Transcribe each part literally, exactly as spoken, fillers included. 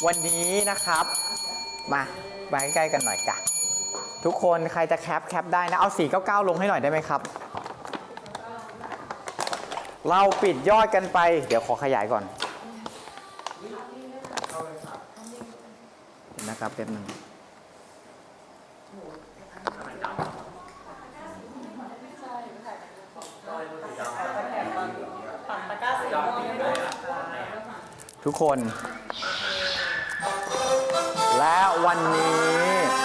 วันนี้นะครับมาไปใกล้ๆกันหน่อยกันทุกคนใครจะแคปแคปได้นะเอาสี่เก้าเก้าลงให้หน่อยได้ไหมครับเราปิดยอดกันไปเดี๋ยวขอขยายก่อนนะครับแป๊บนึงทุกคนและวันนี้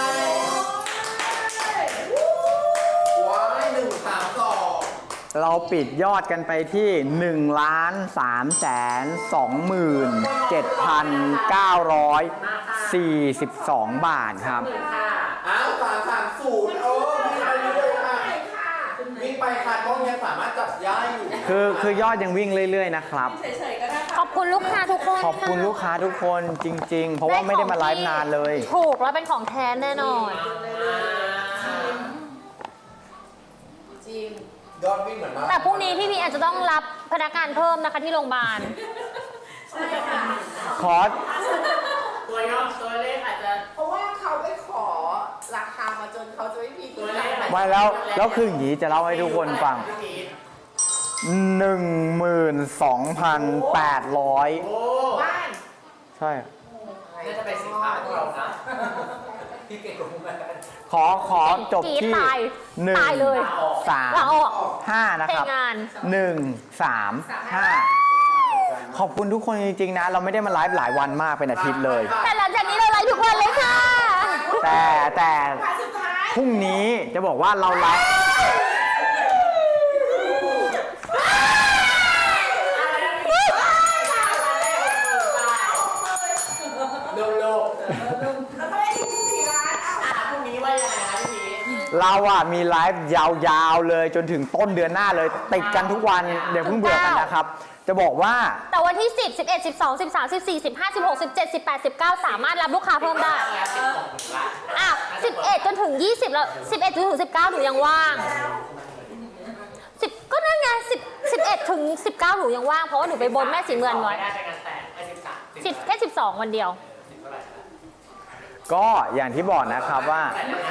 ว้ายหนึ่งสามสองเราปิดยอดกันไปที่หนึ่งล้านสามแสนสองหมื่นเจ็ดพันเก้าร้อยสี่สิบสองบาทครับอ้าวสามสามศูนย์โอ้วิ่งไปเรื่อยค่ะวิ่งไปค่ะกล้องยังสามารถจับย้ายอยู่คือคือยอดยังวิ่งเรื่อยๆนะครับขอบคุณลูกค้าทุกคนขอบคุณลูกค้าทุกคนจริงๆเพราะว่าไม่ได้มาไลฟ์นานเลยถูกแล้วเป็นของแท้แน่นอนจริงยอดวิ่งเหมือนมาแต่พรุ่งนี้พี่พีอาจจะต้องรับพนักงานเพิ่มนะคะที่โรงพยาบาลใช่ค่ะขอตัวยอดตัวเลขอาจจะเพราะว่าเขาไปขอราคามาจนเขาจะไม่มีตัวเลขไม่แล้วแล้วคืออย่างนี้จะเล่าให้ทุกคนฟังหนึ่งหมื่นสองพันแปดร้อยบ้านใช่น่าจะเป็นสินค้าของเรานะพี่เก่งกว่าผมขอขอจบที่หนึ่งสามห้านะครับหนึ่งสามห้าขอบคุณทุกคนจริงๆนะเราไม่ได้มาไลฟ์หลายวันมากเป็นอาทิตย์เลยแต่หลังจากนี้เราไลฟ์ทุกวันเลยค่ะแต่แต่พรุ่งนี้จะบอกว่าเราไลฟ์เราอะมีไลฟ์ยาวๆเลยจนถึงต้นเดือนหน้าเลยติดกันทุกวันเดี๋ยวเพิ่งเบื่อกันนะครับจะบอกว่าแต่วันที่สิบ สิบเอ็ด สิบสอง สิบสาม สิบสี่ สิบห้า สิบหก สิบเจ็ด สิบแปด สิบเก้าสามารถรับลูกค้าเพิ่มได้อ่ะสิบเอ็ดจนถึงยี่สิบแล้วสิบเอ็ดจนถึงสิบเก้าหนูยังว่างสิบก็นั่นไงสิบ สิบเอ็ดถึงสิบเก้าหนูยังว่างเพราะว่าหนูไปบนแม่สีเมืองไว้สิบแค่สิบสองวันเดียวก็อย่างที่บอกนะครับว่า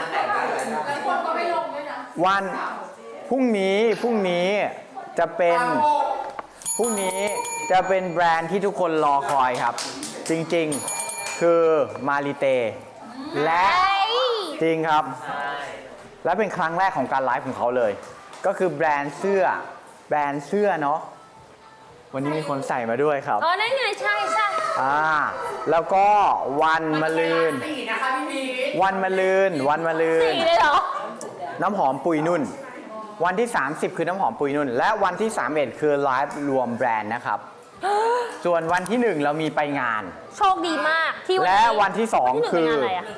วันพรุ่งนี้พรุ่งนี้จะเป็นพรุ่งนี้จะเป็นแบรนด์ที่ทุกคนรอคอยครับจริงๆคือมาริเตและจริงครับและเป็นครั้งแรกของการไลฟ์ของเขาเลยก็คือแบรนด์เสื้อแบรนด์เสื้อเนาะวันนี้มีคนใส่มาด้วยครับอ๋อนั่นไงใช่ใช่อ่าแล้วก็วันมะรืนวันมะรืนวันมะรืนสี่เลยเหรอน้ำหอมปุยนุ่นวันที่สามสิบคือน้ำหอมปุยนุ่นและวันที่สามสิบเอ็ดคือไลฟ์รวมแบรนด์นะครับส่วนวันที่หนึ่งเรามีไปงานโชคดีมากที่และวันที่สองคือ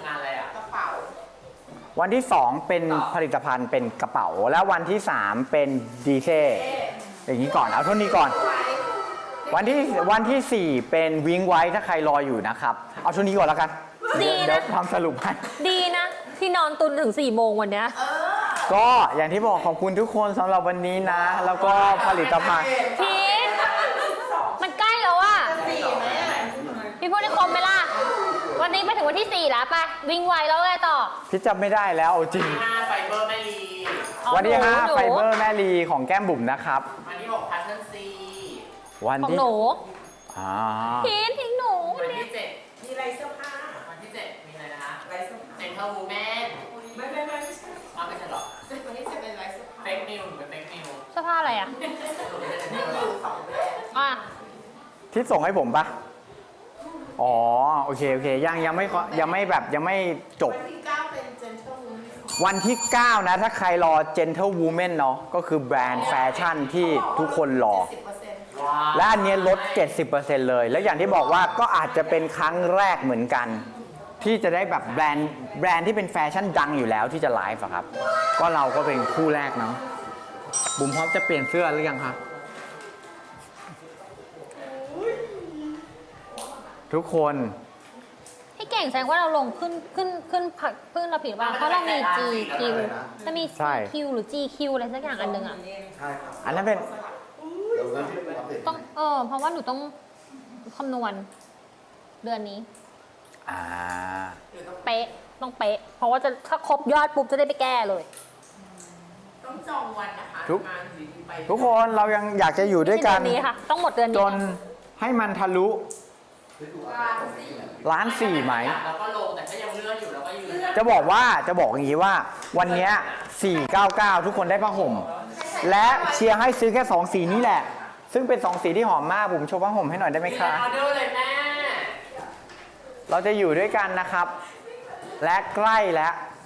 วันที่สองเป็นผลิตภัณฑ์เป็นกระเป๋าและวันที่สามเป็นดีเซ่อย่างนี้ก่อนเอาเท่านี้ก่อนวันที่วันที่สี่เป็นวิ้งไว้ถ้าใครรออยู่นะครับเอาช่วงนี้ก่อนแล้วกันดีนะทำสรุปให้ดีนะที่นอนตุนถึงสี่โมงวันนี้ก็อย่างที่บอกขอบคุณทุกคนสำหรับวันนี้นะแล้วก็ผลิตภัณฑ์พีทมันใกล้แล้วอ่ะพี่พูดได้คมไหมล่ะวันนี้ไปถึงวันที่สี่แล้วไปวิ่งไวแล้วไงต่อพี่จำไม่ได้แล้วจริงไฟเบอร์แม่ลีวันที่ห้าไฟเบอร์แม่ลีของแก้มบุ๋มนะครับวันที่หกพัทเทิลซีวันที่หนูพีททิ้งหนูวันที่เจ็ดมีไรเสื้อผ้าวันที่เจ็ดมีอะไรนะคะไรเสื้อผ้าเซ็นทรัลวูแมนไม่ไม่ไม่ไม่ใช่เอาไม่ใช่หรอวันที่เจ็ดเป็นไรเสื้อผ้าเฟกนิวเป็นเฟกนิวเสื้อผ้าอะไรอ่ะอ่ะที่ส่งให้ผมปะอ๋อโอเคโอเคยังยังไม่ยังไม่แบบยังไม่จบวันที่เก้าเป็น Gentle Woman วันที่เก้านะถ้าใครรอ Gentle Woman เนาะก็คือแบรนด์แฟชั่นที่ทุกคนรอและอันนี้ลด เจ็ดสิบเปอร์เซ็นต์ เลยและอย่างที่บอกว่าก็อาจจะเป็นครั้งแรกเหมือนกันที่จะได้แบบแบรนด์แบรนด์ที่เป็นแฟชั่นดังอยู่แล้วที่จะไลฟ์ครับก็เราก็เป็นคู่แรกเนาะบุ๋มพร้อมจะเปลี่ยนเสื้อหรือยังครับทุกคนพี่เก่งแสดงว่าเราลงขึ้นขึ้นขึ้นขึ้นเราผิดว่าเพราะเรามี จี คิว จะมี ซี คิว หรือ จี คิว อะไรสักอย่างอันหนึ่งอ่ะอันนั้นเป็นต้องเออเพราะว่าหนูต้องคำนวณเดือนนี้อ่าเป๊ะต้องเป๊ะ เพราะว่าจะถ้าครบยอดปุ๊บจะได้ไปแก้เลยต้องจองวันนะคะทุกงานดีๆไปทุกคนเรายังอยากจะอยู่ด้วยกันไม่ใช่เดือนนี้ค่ะ ต้องหมดเดือนจนี้นให้มันทะลุร้านสี่ล้านสี่ไหมแล้วก็ลงแต่ก็ยังเลื่อนอยู่แล้วก็ยืนจะบอกว่าจะบอกอย่างนี้ว่าวันเนี้ยสี่เก้าเก้าทุกคนได้ผ้าห่ม และเชียร์ให้ซื้อแค่สองสีนี้แหละ ซึ่งเป็นสองสีที่หอมมากผมโชว์ผ้าห่มให้หน่อยได้ไหมมีคะออเดอร์เลยแม่เราจะอยู่ด้วยกันนะครับ และใกล้แล้ว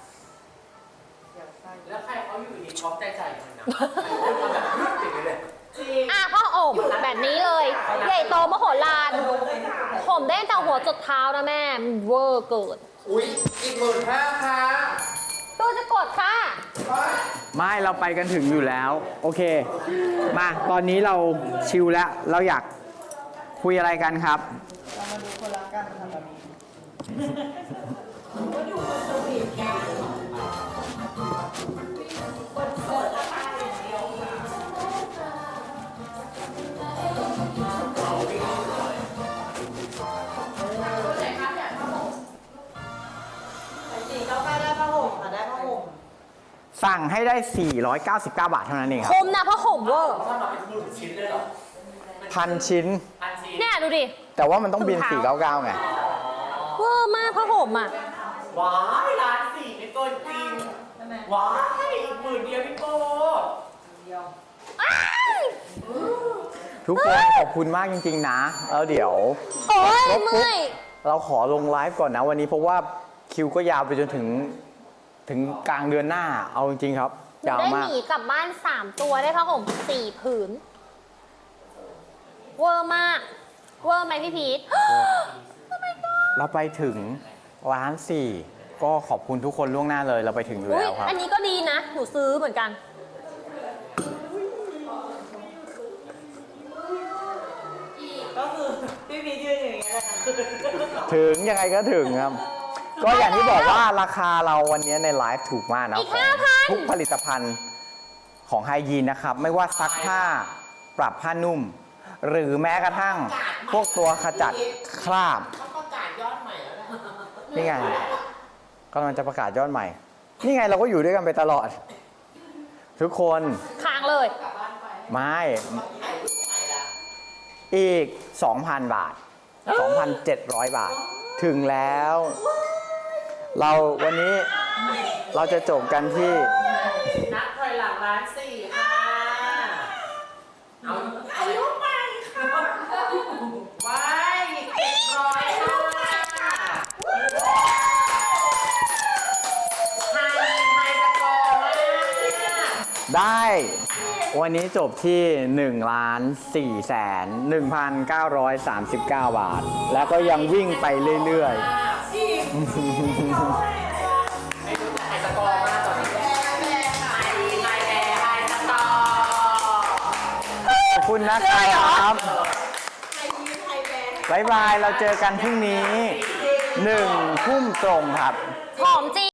แล้วใครเขาอยู่ดีช็อปใจใจมันนะเอาแบบรึ๊ดอย่างนี้เลยจริงอ่ะพ่ออบแบบนี้เลย ใหญ่โตมโหฬารผมได้ตั้งแต่หัวจดเท้านะแม่มันเวอร์เกินอุ๊ย อีกหมื่นห้าค่ะตัวจะกดค่ะไม่เราไปกันถึงอยู่แล้ว โอเค มาตอนนี้เราชิลแล้ว เราอยากคุยอะไรกันครับเรามาดูคนรักกันค่ะตอนนี้ สี่เก้าเก้าได้ผ้าห่มค่ะได้ผ้าห่มสั่งให้ได้ สี่ร้อยเก้าสิบเก้า บาทเท่านั้นเองคครับ มนะเพราะห่มเวอร์ถ้ามาเป็นหมื่นชิ้นเลยเหรอพันชิ้นพันชิ้นเนี่ยดูดิแต่ว่ามันต้องบิน สี่เก้าเก้า ไงเวอร์มากเพราะห่มอ่ะว้ายล้านสี่ไม่เกินจริงใช่ไหมว้ายอีกหมื่นเดียวพี่โก้เดียวอ้ายทุกคนขอบคุณมากจริง ๆ นะ แล้วเดี๋ยวโอ้ยครบปุ๊บเมื่อยเราขอลงไลฟ์ก่อนนะวันนี้เพราะว่าคิวก็ยาวไปจนถึงถึงกลางเดือนหน้า เอาจริงๆครับ ยาวได้มาหกมีกลับบ้านสามตัวได้ผ้าห่มสี่ผืน เวอร์มาก เวอร์ไหมพี่พีทเราไปถึงล้านสี่ก็ขอบคุณทุกคนล่วงหน้าเลยเราไปถึงอยู่อุ้ยแล้วครับอันนี้ก็ดีนะ หนูซื้อเหมือนกันก็คือพี่พียืนอยู่อย่างเงี้ยแหละค่ะถึงยังไงก็ถึงครับ ก็อย่างที่บอกว่าราคาเราวันนี้ในไลฟ์ถูกมากนะอีกของห้าพันทุกผลิตภัณฑ์ของไฮยีนนะครับ ไม่ว่าซักผ้าปรับผ้านุ่ม หรือแม้กระทั่งพวกตัวขจัดคราบเขาประกาศยอดใหม่แล้วแหละนี่ไงกำลังจะประกาศยอดใหม่ นี่ไงเราก็อยู่ด้วยกันไปตลอด ทุกคนค้างเลยไม่ถ่ายรูปใหม่แล้วอีก สองพัน บาท สองพันเจ็ดร้อย บาท ถึงแล้ว เราวันนี้เราจะจบกันที่นับถอยหลังล้านสี่ค่ะ เอาอายุใหม่ค่ะว้ายอีกเจ็ดร้อยค่ะไฮไฮสกอร์มากได้วันนี้จบที่1ล้าน4แสน1,939 บาท แล้วก็ยังวิ่งไปเรื่อยไม่รู้แต่ไฮสกอร์มากตอนนี้ไฮไฮแอร์ไฮสกอร์ๆ ขอบคุณนะครับบ๊ายบาย เราเจอกันพรุ่งนี้หนึ่งทุ่มตรงครับหอมจริง